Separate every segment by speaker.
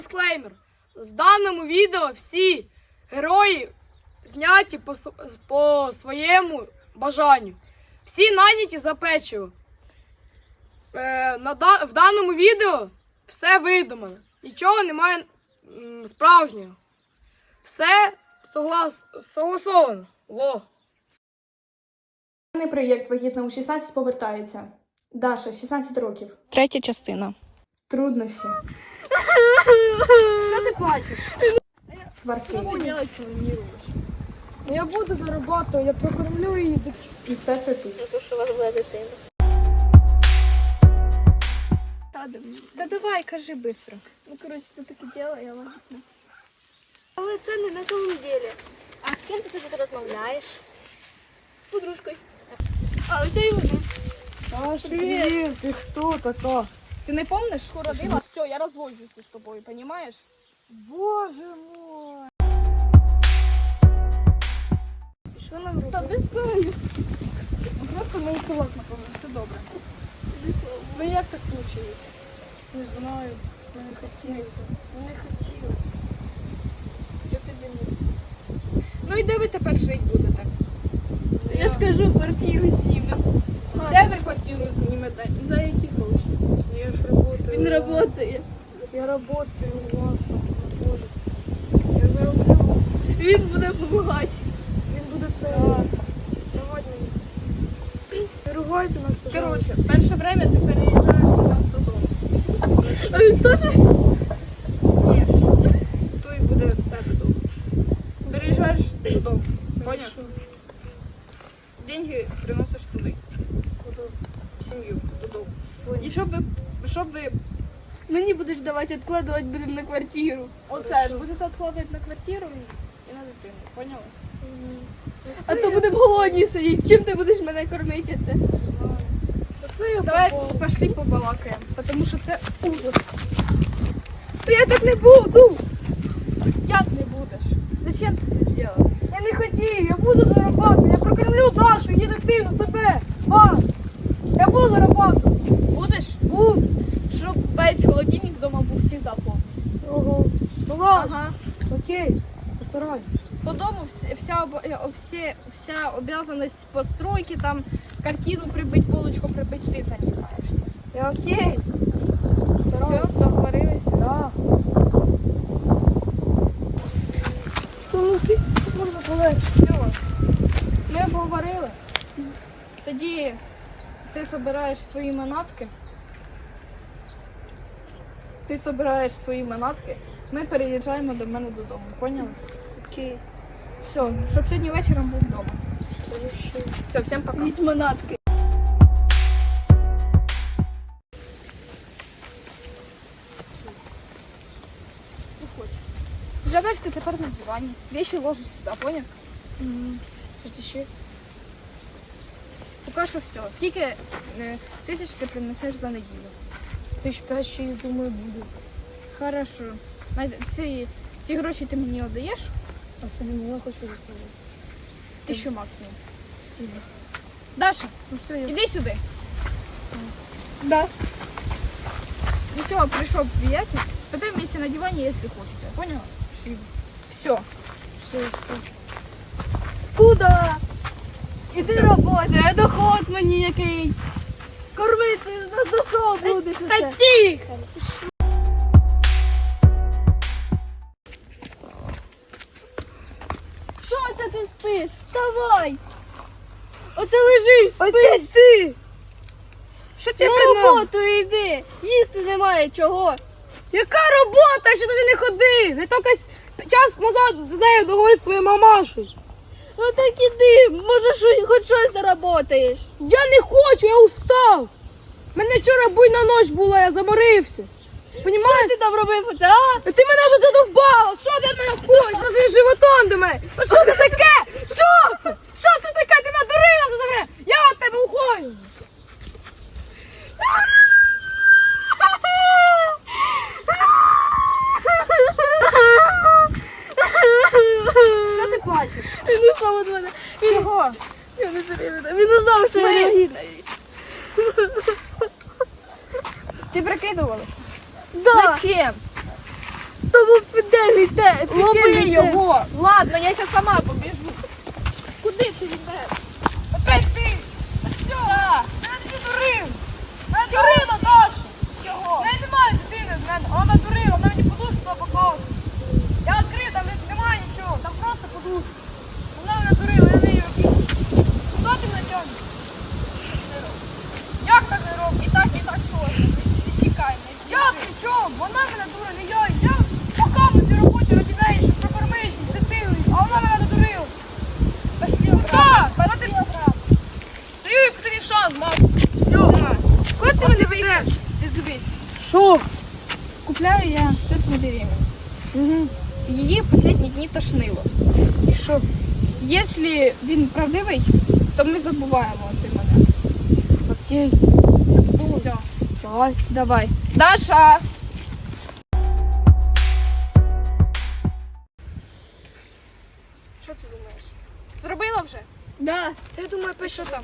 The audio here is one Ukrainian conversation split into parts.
Speaker 1: Дисклеймер. В даному відео всі герої зняті по своєму бажанню. Всі найняті за печиво. В даному відео все видумано. Нічого немає справжнього. Все согласовано. Во.
Speaker 2: Проєкт «Вагітна у 16» повертається. Даша, 16 років.
Speaker 3: Третя частина.
Speaker 2: Труднощі.
Speaker 1: Що ти плачеш?
Speaker 2: Сварки.
Speaker 1: Я буду зарабатувати, я прокормлю її.
Speaker 2: І все це тут.
Speaker 3: Да давай, кажи швидко.
Speaker 4: Ну, коротше, це таке діло, я вагітна. Але це не на самом деле. А з ким ти тут розмовляєш? З подружкою. А, ось я і вона.
Speaker 1: Саша, привіт, ти хто така?
Speaker 3: Ти не пам'ятаєш, що родила? Все, я розводжуся з тобою, розумієш?
Speaker 1: Боже мой.
Speaker 4: Що нам робити?
Speaker 3: Та не знаю. Просто ми у село знакомі, все добре. Ну як так вийшло?
Speaker 1: Не знаю, я не хотілося.
Speaker 3: Ну не хотіла. Я тобі не. Ну і де ви тепер жити будете?
Speaker 4: Я ж кажу, квартиру знімемо.
Speaker 3: Де ви квартиру знімете? І за які гроші?
Speaker 1: Я ж працюю.
Speaker 4: Він працює.
Speaker 1: Я працюю у вас там, Боже. Я зароблю.
Speaker 4: Він буде допомагати.
Speaker 1: Він буде це. Давай мені. Не ругайте нас, пожалуйста.
Speaker 3: Коротше, перше время ти переїжджаєш до нас додому.
Speaker 4: А він теж?
Speaker 3: Ні, то і буде все додому. Переїжджаєш додому. Поняв? Деньги приносиш туди.
Speaker 1: Куди?
Speaker 3: В сім'ю, додому.
Speaker 1: Понял.
Speaker 3: І щоб ви
Speaker 4: Мені будеш давати, відкладувати будемо на квартиру.
Speaker 3: оце ж будете відкладати на квартиру і на дитину. Поняли?
Speaker 4: А то будемо голодні сидіти. Чим ти будеш мене кормити це?
Speaker 1: Оце я
Speaker 3: Давай
Speaker 1: попала.
Speaker 3: пошли побалакаємо, тому що це ужас.
Speaker 4: Я так не буду.
Speaker 3: Як не будеш? Зачем ти це зробила?
Speaker 1: Я не хотів, я буду зарабатувати. Я прокормлю Дашу, її дитину, себе, вас. Я буду зарабатувати.
Speaker 3: Будеш?
Speaker 1: Буду.
Speaker 3: Щоб весь холодильник вдома був завжди повний.
Speaker 1: Ого. Ну ладно.
Speaker 3: Ага.
Speaker 1: Окей, постараюсь.
Speaker 3: По дому вся обязанность постройки, там картину прибить, полочку прибить, ти займаєшся.
Speaker 1: Я окей.
Speaker 3: Все,
Speaker 1: Постараюсь.
Speaker 3: договорилися?
Speaker 1: Да. Ну, ти можна полегше.
Speaker 3: Все. Ми обговорили. Тоді ти збираєш свої манатки. Ми переїжджаємо до мене додому. Поняли?
Speaker 1: Окей.
Speaker 3: Все, щоб сьогодні вечором був вдома. Все, всім пока.
Speaker 4: Від манатки.
Speaker 3: Живеш ти тепер на дивані. Вещи ложиш сюди, поняв?
Speaker 1: Щось ще?
Speaker 3: Поки що все. Скільки тисяч ти принесеш за неділю?
Speaker 1: 5-6, думаю, буде.
Speaker 3: Хорошо. Ці гроші ти мені віддаєш?
Speaker 1: А собі я хочу заставити.
Speaker 3: 1000 максимум.
Speaker 1: Спасибо.
Speaker 3: Даша,
Speaker 1: Ну все, я...
Speaker 3: іди сюди.
Speaker 4: Да.
Speaker 3: Ну все, прийшов приятель. Спитай вместе на дивані, якщо хочете. Поняла?
Speaker 1: Спасибо.
Speaker 3: Все.
Speaker 1: Все, я скажу.
Speaker 4: Куда? Іди роботи, а доход мені який. Кормити нас за що будеш?
Speaker 3: Та
Speaker 4: оце?
Speaker 3: тихо!
Speaker 4: Що це ти спиш? Вставай! Оце лежиш, спиш.
Speaker 1: Опять ти! Що тебе
Speaker 4: На
Speaker 1: приносить?
Speaker 4: роботу йди. Їсти немає чого.
Speaker 1: Яка робота? Я ще навіть не ходив. Я тільки час назад з нею договорився з твоєю мамашою.
Speaker 4: Ну так іди, може хоч щось заработаєш.
Speaker 1: Я не хочу, я устав. У мене вчора буйна ніч була, я заморився. Понімаєш?
Speaker 4: Що ти там робив оце, а?
Speaker 1: Ти мене вже задовбала! Що ти від мене хочеш? Ти своїм животом до мене! От що це таке? Що це? Що це таке? Ти мене дурила за время! Я від тебе уходжу!
Speaker 3: Що ти плачеш?
Speaker 4: Він ушов від мене.
Speaker 3: Чого?
Speaker 4: Я не перевірю. Він узнав, що я вагітна.
Speaker 3: Ти прикидувалася?
Speaker 4: Да.
Speaker 3: Зачем? був педельний тест.
Speaker 1: Лови його! Ладно, я ще сама побіжу.
Speaker 3: Куди ти йдеш?
Speaker 1: Опять ти! Та що? Мене всі дурив! Мене дурила Даша!
Speaker 3: Чого?
Speaker 1: Я немає дитини з мене, а вона дурила, вона мені подушку показувала. Я відкрив, там немає нічого, там просто подушка. Вона мене дурила, я нею робив. Куди ти мене тягнеш? Як так не роблю? І так теж.
Speaker 3: Тікай,
Speaker 1: Я при чому? Вона мене дура, не я. Я покажу цій роботі раді неї, щоб прокормити з дитиною, а вона мене додурила.
Speaker 3: Пошли
Speaker 1: Ну так,
Speaker 3: Пошли обратно.
Speaker 1: даю їй последній шанс, Макс. Все.
Speaker 3: Куди ти мене вийдеш? Ти дивись.
Speaker 1: Що?
Speaker 3: Купляю я тест на беременность. Її в останні дні тошнило.
Speaker 1: І що?
Speaker 3: Якщо він правдивий, то ми забуваємо цей момент.
Speaker 1: Окей.
Speaker 3: Все,
Speaker 1: Давай.
Speaker 3: давай. Даша!
Speaker 1: Що ти думаєш? Зробила вже?
Speaker 3: Да.
Speaker 1: Я думаю, що там?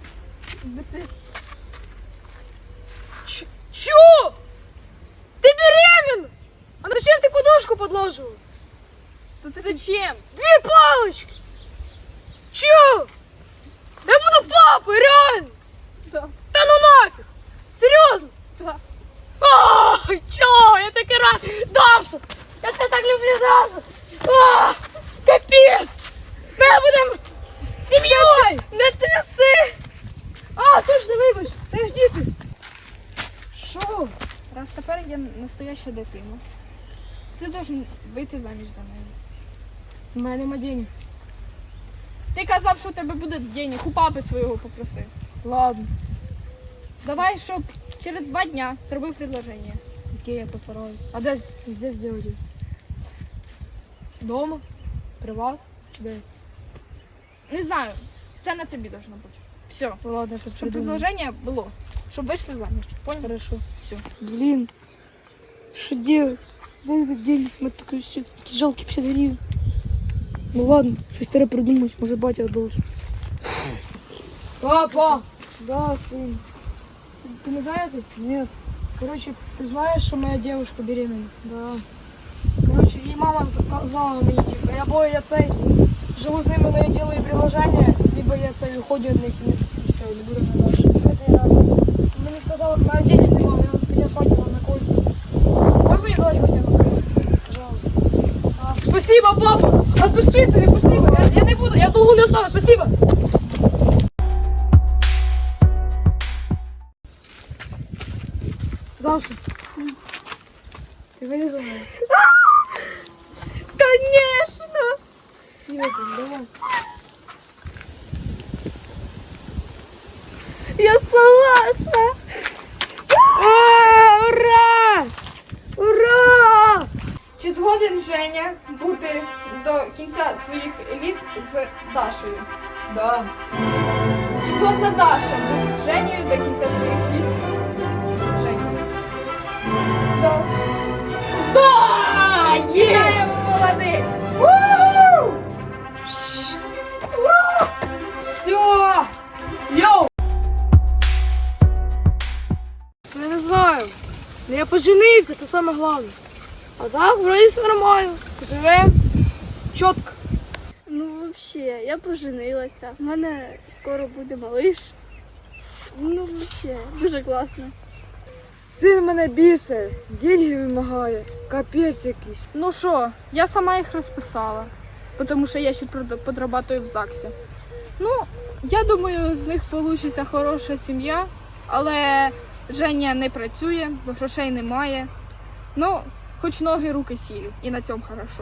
Speaker 1: Чё? Ты беременна? А зачем ты подушку подложила?
Speaker 3: Зачем?
Speaker 1: Две палочки! Чё? Я буду папой, реально!
Speaker 3: Да.
Speaker 1: Да ну нафиг! Серьезно?
Speaker 3: Да.
Speaker 1: Ай, чё? Я так и рад! Даша! Я тебя так люблю, Даша! Капец! Мы будем семьей! Не тряси! Точно, вибач! Подожди ти!
Speaker 3: Що? Раз тепер я настояща дитина. Ти должен вийти заміж за мене.
Speaker 1: У мене нема денег.
Speaker 3: Ти казав, що у тебе буде денег, у папи свого попросив.
Speaker 1: Ладно.
Speaker 3: Давай, щоб через 2 дня зробив предложення.
Speaker 1: Окей, я постараюсь. А де сделать? Дома? При вас? Десь?
Speaker 3: Не знаю, це на тобі должно бути. Все.
Speaker 1: Ладно, щось
Speaker 3: Щоб
Speaker 1: придумаю.
Speaker 3: предложення було. Щоб вийшли заміж. Понял?
Speaker 1: Хорошо.
Speaker 3: Все.
Speaker 5: Блин, что делать? Дай за день, мы только все жалкие 50 гривен. Ну ладно, что старое придумать, может батя должен.
Speaker 1: Папа!
Speaker 5: Да, сын.
Speaker 1: Ты не знаешь?
Speaker 5: Нет.
Speaker 1: Короче, ты знаешь, что моя девушка беременна?
Speaker 5: Да.
Speaker 1: Короче, її мама сказала мені, типу, або я цей живу з ними, але я делаю приложення, либо я цей уходжу від них і все, не буду на дальше. Мені сказала, моя денег нема, я с меня свадьба на кольца. Можешь мне дать хотя бы кружку? Пожалуйста. Спасибо, папа! От души тебе, спасибо! Я не буду, я в долгу не останусь, спасибо! Даша, ты вылезла?
Speaker 3: Конечно!
Speaker 1: Спасибо, давай.
Speaker 3: Я согласна!
Speaker 1: Ура! Ура! Чи згоден Женя бути до кінця своїх літ з Дашею?
Speaker 5: Да.
Speaker 1: Чи згодна Даша бути з Женєю до кінця своїх літ? Женя.
Speaker 3: Да.
Speaker 1: Да! Є!
Speaker 3: Вітаємо, молодець!
Speaker 1: Ура! Все! Йоу! Я не знаю. Но я поженився, це саме головне. А так, вроде все нормально. Живем чітко.
Speaker 4: Ну, вообще, я поженилася. У мене скоро буде малиш. Ну, вообще, дуже класно.
Speaker 5: Син мене бісить, деньги вимагає, капець якийсь.
Speaker 3: Ну що, я сама їх розписала, тому що я ще подрабатую в ЗАГСі. Ну, я думаю, з них вийде хороша сім'я, але Женя не працює, бо грошей немає. Ну, хоч ноги, руки сілі, і на цьому хорошо.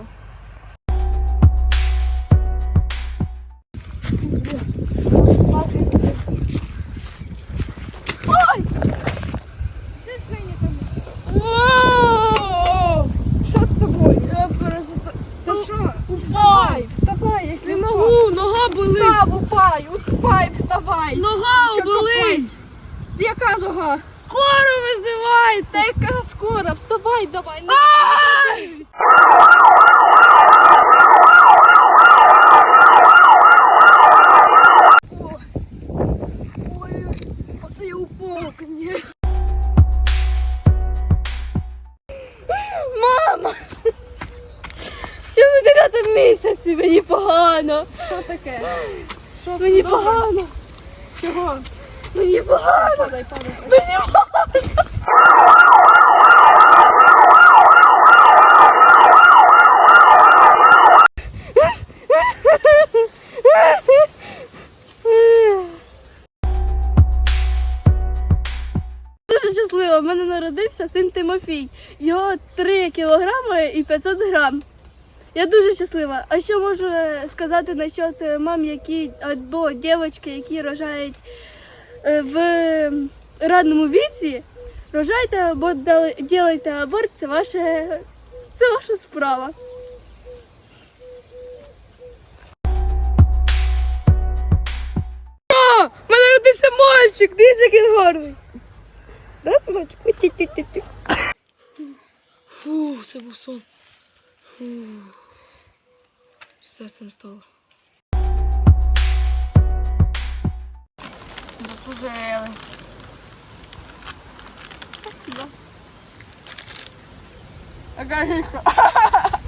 Speaker 1: Воу!
Speaker 3: Що з тобою?
Speaker 1: Я просто...
Speaker 3: Та що?
Speaker 1: Упай!
Speaker 3: Вставай, якщо
Speaker 1: Не можу, нога болить.
Speaker 3: Встав, упай, успай, вставай.
Speaker 1: Нога
Speaker 3: Що
Speaker 1: болить.
Speaker 3: Яка нога?
Speaker 1: Скоро визивайте.
Speaker 3: Та яка скоро? Вставай, давай. Не
Speaker 1: Ай! Ой, оце я упала, конечно. Мама!
Speaker 4: доці, мені погано.
Speaker 3: Що таке? Що
Speaker 4: Мені
Speaker 3: це добре?
Speaker 4: погано.
Speaker 3: Чого?
Speaker 4: Мені погано.
Speaker 3: Падай.
Speaker 4: Дуже щаслива. У мене народився син Тимофій. Його 3 кілограми і 500 грам. Я дуже щаслива. А що можу сказати насчет мам, які або дівчатки, які рожають в ранньому віці? Рожайте або ділайте аборт, це ваша справа.
Speaker 5: У мене родився мальчик, дивіться, який він гарний. Да, синочок? Ті-ті-ті-ті. Фу, це був сон. Фу. Серце не стало. Заслужили.
Speaker 4: Спасибо.
Speaker 5: Ага,